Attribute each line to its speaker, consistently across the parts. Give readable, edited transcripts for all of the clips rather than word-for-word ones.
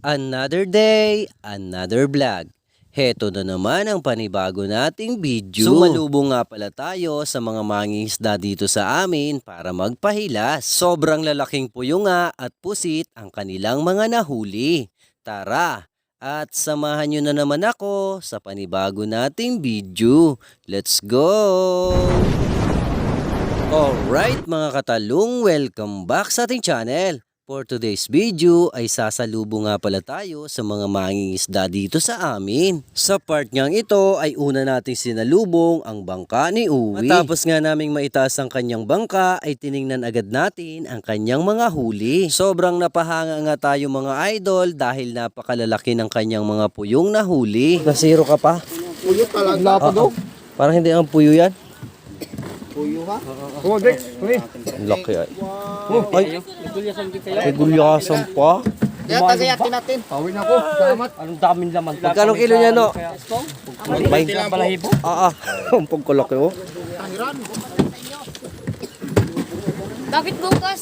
Speaker 1: Another day, another vlog. Heto na naman ang panibago nating video. Sumalubong nga pala tayo sa mga mangingisda dito sa amin para magpahilas. Sobrang lalaking puyo nga at pusit ang kanilang mga nahuli. Tara, at samahan nyo na naman ako sa panibago nating video. Let's go! Alright mga katalong, welcome back sa ating channel. For today's video ay sasalubong nga pala tayo sa mga mangingisda dito sa amin. Sa part niyang ito ay una nating sinalubong ang bangka ni Uwi. Matapos nga naming maitaas ang kanyang bangka ay tiningnan agad natin ang kanyang mga huli. Sobrang napahanga nga tayo mga idol dahil napakalalaki ng kanyang mga puyong nahuli. Nasiro ka pa?
Speaker 2: Puyo talaga po.
Speaker 1: Parang hindi ang puyo yan.
Speaker 2: Puyo ha? Oo, Dex.
Speaker 1: Laki ay. Ay, may gulyasan pa.
Speaker 2: Kaya tagayatin natin. Pawin ako. Salamat.
Speaker 3: Anong daming laman.
Speaker 1: Magkano kilo niya no?
Speaker 3: May balahibo.
Speaker 1: Ang pagkalaki oh.
Speaker 4: Bakit bukas?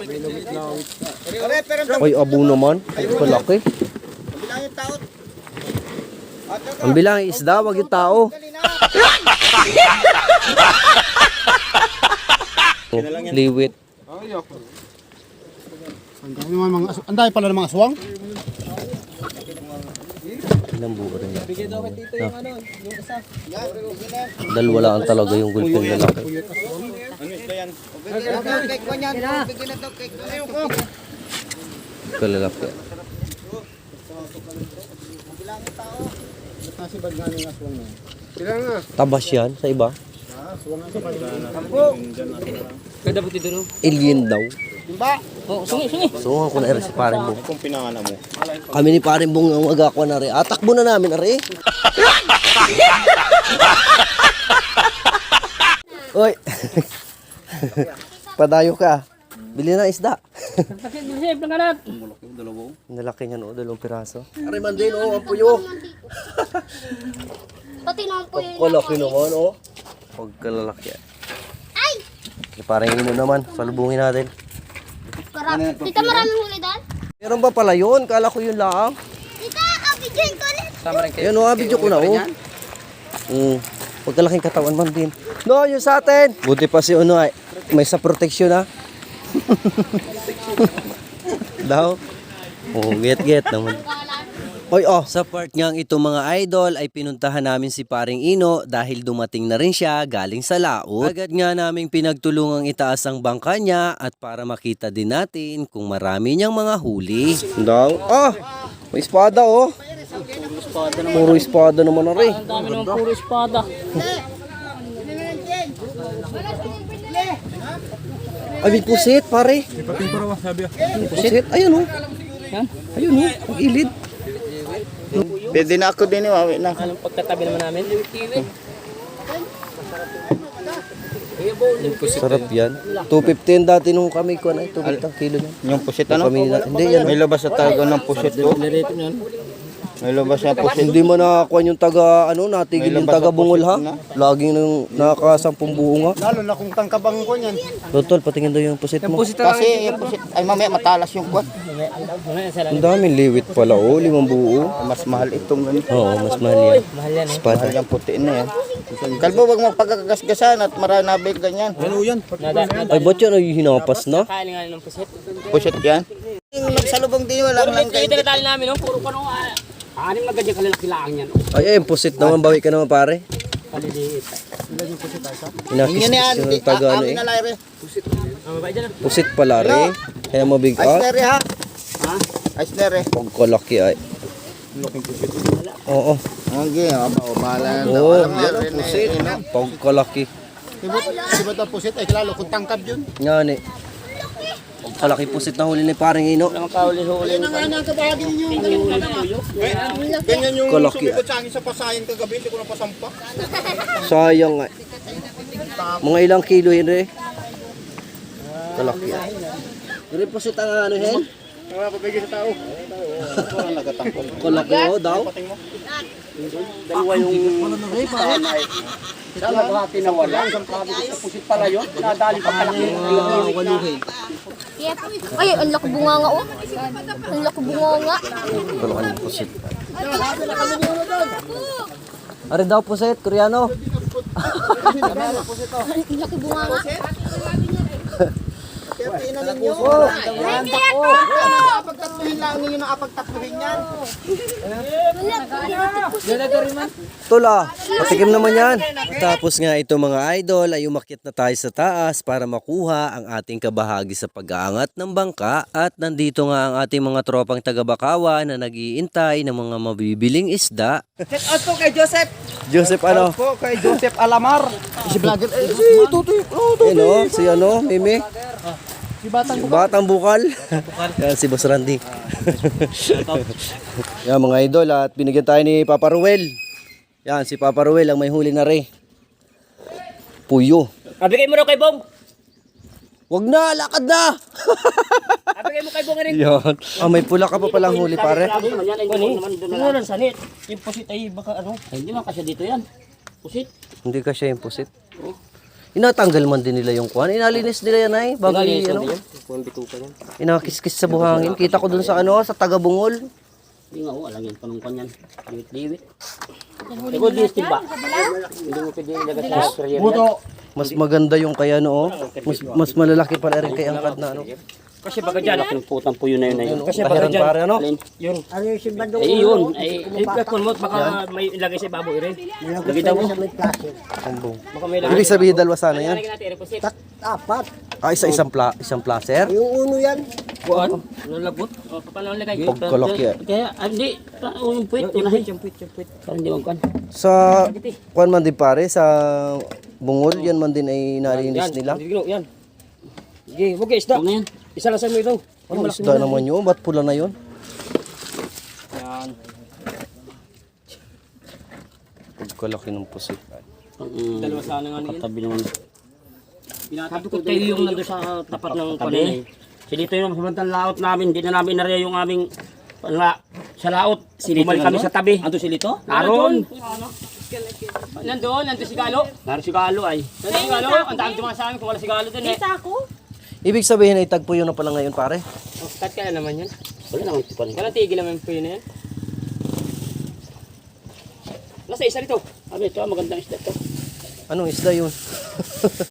Speaker 1: Ay, abo naman. Ang kalaki. Ang bilang isda, wag yung tao. Liwit.
Speaker 2: Ang dami pala ng mga aswang.
Speaker 1: Ilang buo rin yan. Dalawa lang talaga yung gulping lalaki. Kalalaki. Tabas yan sa iba.
Speaker 3: Kada buti doon.
Speaker 1: Alien daw.
Speaker 3: Oh, sungi.
Speaker 1: So, ako na si Paring Bong.
Speaker 2: Kung pinangana mo.
Speaker 1: Kami ni Paring Bong ang agakwa na rin. Atakbo na namin na rin. Oy. Padayo ka. Bili na isda.
Speaker 3: Save lang kanat.
Speaker 1: Nalaki niya no, 2 piraso. Ari man din oh, ang puyo.
Speaker 4: Pati naman po yun.
Speaker 1: Kalaki naman oh. Pagkalalaki.
Speaker 4: Ay!
Speaker 1: Parang ino naman, salubungin natin.
Speaker 4: Tita, maraming huli doon?
Speaker 1: Meron ba pala yun? Kala ko yun lang.
Speaker 4: Tita, abidyan ko ulit.
Speaker 3: Tama rin kayo.
Speaker 1: Yan oh, video ko na oh. Pagkalaking katawan man din. No, yung sa atin. Buti pa si Uno ay may sa protection ha. Daw. Oh, get naman. Oy, sa part niyang ito mga idol ay pinuntahan namin si Paring Ino dahil dumating na rin siya galing sa laot. Agad nga naming pinagtulungang itaas ang bangka niya at para makita din natin kung marami niyang mga huli. Daw. May espada oh. Puro espada naman na rin.
Speaker 3: Ang dami naman puro espada.
Speaker 1: Ay, may pusit pare. Pusit, ayun oh.
Speaker 3: Yan.
Speaker 1: Ayun oh, ang ilid.
Speaker 2: Pwede na ako din eh. Na.
Speaker 3: Anong pagkatabi naman namin?
Speaker 1: Sarap yan. 215 dati nung kami ko na 215 ang kilo niya.
Speaker 2: Yung pusit ano?
Speaker 1: Hindi yan.
Speaker 2: May labas sa tago ng pusit ko. May labas na pusit.
Speaker 1: Hindi mo nakakuha yung taga natigil yung taga Bungol ha. Laging nang nakakasampung buo nga.
Speaker 2: Lalo na kung tangkabang ko niyan.
Speaker 1: Totol, patingin daw yung pusit mo.
Speaker 2: Kasi yung pusit, ay mamaya matalas yung kwan.
Speaker 1: Ang daming liwit pala oh, 5 buo.
Speaker 2: Mas mahal itong ganito.
Speaker 1: Oo, mas mahal yan.
Speaker 3: Mahal yan eh.
Speaker 1: Espada.
Speaker 2: Mahal yung puti na yan. Kalbo, wag magpagkagasgasan at maranabig ganyan. Ano yan?
Speaker 1: Ay, ba't yan ay hinapas na?
Speaker 3: Kain nga ng pusit.
Speaker 2: Pusit yan. Yung nagsalubong din, walang lang kayo.
Speaker 3: Ito na tali namin, no? Puro pa nung anim na ganyan kalalakilaan yan.
Speaker 1: Ay, pusit naman, bawi ka naman pare.
Speaker 3: Paliliit.
Speaker 2: Yun yan,
Speaker 1: Inakis yung taga
Speaker 2: amin na laire.
Speaker 1: Pusit pala rin. Kaya mabigat.
Speaker 2: Ice ha? Ice
Speaker 1: Pagkalaki ay. Oo.
Speaker 2: Okay, bahala na.
Speaker 1: Oo,
Speaker 2: Alam
Speaker 1: yan
Speaker 2: na,
Speaker 1: ang pusit. Pagkalaki.
Speaker 2: Sibot ang pusit, ay klalo kung tangkab yun.
Speaker 1: Yan eh. Pagkalaki pusit na huli ni Paring Ino.
Speaker 3: Ang kauli-huli.
Speaker 2: Ganyan yung
Speaker 1: Kalaki.
Speaker 2: sumibot sa akin sa pasayan kagabi, hindi ko na pasampa.
Speaker 1: Sayang nga. Mga ilang kilo yun eh. Kalaki. Yung pusit ang ano hen?
Speaker 2: Wala pabigay sa tao.
Speaker 1: Kalaki oh daw. Dalawa yung
Speaker 3: Saan naghati na wala? Isang kabi sa pusit pala yun. Nadali pa kalaki.
Speaker 1: waluhin.
Speaker 4: Ay, ang laki bunga nga oh. Ang laki bunga nga.
Speaker 1: Kalokan ng pusit. Ari daw pusit, Koreano.
Speaker 4: Ang laki bunga nga.
Speaker 2: Apagtatluhin lang ninyo na apagtatluhin yan.
Speaker 1: Tula, patikim naman yan. Tapos nga ito mga idol ay umakyat na tayo sa taas para makuha ang ating kabahagi sa pag-aangat ng bangka. At nandito nga ang ating mga tropang taga-Bakawan na nag-iintay ng mga mabibiling isda.
Speaker 5: Shout out po kay Joseph.
Speaker 1: Joseph ano?
Speaker 5: Po kay Joseph Alamar.
Speaker 2: Si vlogger, si Tutoy.
Speaker 1: Ano? Si ano? Mimi? Si Batang Bukal. Yan si Boss Randy. Yan mga idol at binigyan tayo ni Papa Ruel. Yan si Papa Ruel ang may huli na rin. Puyo.
Speaker 3: Abigay mo raw kay Bong.
Speaker 1: Wag na, lakad na.
Speaker 3: Abigay mo kay Bong rin.
Speaker 1: Yan. Ah, may pula ka pa palang huli pare.
Speaker 3: Ano sanit? Yung pusit ay baka ano? Ay, hindi man kasi dito yan. Pusit.
Speaker 1: Hindi ka siya yung pusit. Inatanggal man din nila yung kuhan. Inalinis nila yan ay. Bago ano. Inakiskis sa buhangin. Kita ko dun sa ano, sa Tagabungol.
Speaker 3: Hindi nga alam yan. Panungkan yan. Liwit-liwit. Ikaw di ba? Hindi mo pwede ilagay sa career yan.
Speaker 1: Mas maganda yung kaya no. Mas malalaki pala rin kay angkad na ano.
Speaker 3: Kasi baga dyan, pinuputang po yun na yun.
Speaker 1: Kasi baga dyan. Pare, ano?
Speaker 3: Yun. Ano yung simbandong? Eh yun. Ay, kung mo, baka may ilagay sa baboy rin. Lagay daw mo.
Speaker 1: Ambong.
Speaker 3: Baka may ilagay.
Speaker 1: Ibig sabihin dalawa sana yan.
Speaker 3: Lagay natin, reposit.
Speaker 5: Apat.
Speaker 1: Ah, isang placer.
Speaker 5: Yung uno yan.
Speaker 3: Kuhan? Lalagot? O, paano ang lagay?
Speaker 1: Pagkalok yan.
Speaker 3: Kaya, hindi. Yung puwit. Yung puwit. Parang di magkan.
Speaker 1: Sa kuhan man din pare, sa bungol, yan man din ay nalinis nila.
Speaker 5: Yan. Sige, huwag kayo isda.
Speaker 3: Huwag na yan.
Speaker 5: Isa lang sa mo ito.
Speaker 1: Ang isda naman yun, ba't pula na yun?
Speaker 5: Yan.
Speaker 1: Pagkalaki ng pusit.
Speaker 3: Dalawa sana nga niyan. Katabi naman. Sabi ko tayo yung nandun sa tapat ng kanina. Si dito yung samantang laot namin. Hindi na namin nariya yung aming sa laot. Bumalik kami sa tabi. Ando si Lito? Naroon. Nandun si Galo. Naroon si Galo ay. Nandun si Galo. Ang dami tumang sa amin kung wala si Galo dun eh.
Speaker 1: Ibig sabihin ay tagpo yun na pala ngayon pare.
Speaker 3: Start kaya naman yan. Wala naman ito pa rin. Walang tigil naman po yun na yan. Nasa isa rito. Sabi ito, magandang isda ito.
Speaker 1: Anong isda yun?